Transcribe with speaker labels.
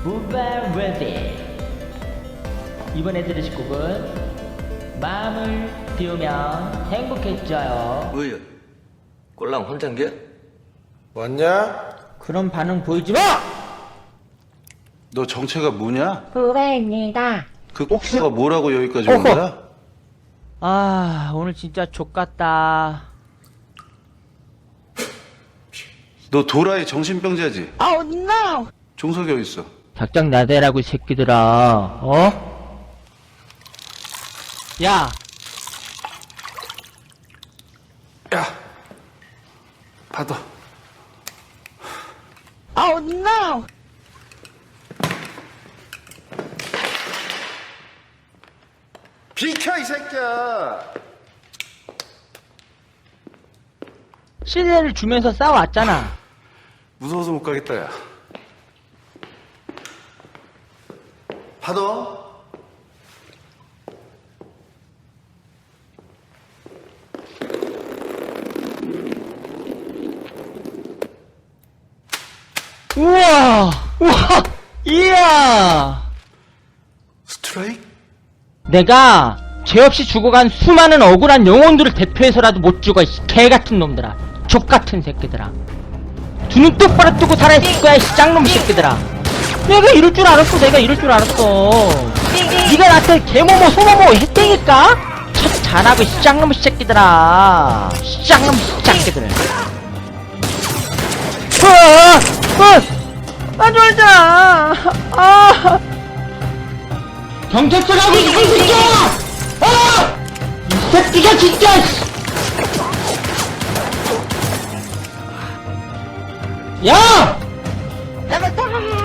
Speaker 1: 무발 레디. 이번에 들으실 곡은 마음을 비우면 행복해져요.
Speaker 2: 뭐야? 꼴랑 혼잔겨?
Speaker 3: 왔냐?
Speaker 1: 그런 반응 보이지 마!
Speaker 3: 너 정체가 뭐냐?
Speaker 4: 후배입니다.
Speaker 3: 그 꼭지가 뭐라고 여기까지 온 거야?
Speaker 1: 아, 오늘 진짜 족같다.
Speaker 3: 너 도라이 정신병자지?
Speaker 4: Oh no!
Speaker 3: 종석이 어디 있어?
Speaker 1: 작작 나대라고 이 새끼들아. 어? 야,
Speaker 3: 야, 받아.
Speaker 4: Oh no!
Speaker 3: 비켜 이 새끼야.
Speaker 1: 시대를 주면서 싸워왔잖아.
Speaker 3: 무서워서 못 가겠다 야. 받아.
Speaker 1: 우와! 우와! 이야!
Speaker 3: 스트라이크?
Speaker 1: 내가 죄 없이 죽어간 수많은 억울한 영혼들을 대표해서라도 못 죽어, 이 개같은 놈들아. 족같은 새끼들아. 두 눈 똑바로 뜨고 살아있을 거야, 이 짱놈 새끼들아. 내가 이럴 줄 알았어, 내가 이럴 줄 알았어. 네가 나한테 개모모, 소모모 했다니까? 첫 잘하고, 이 짱놈 새끼들아. 이 짱놈 새끼들. 쫄자! 아! 경찰서 가고 이 새끼야! 이 새끼가 진짜! 야!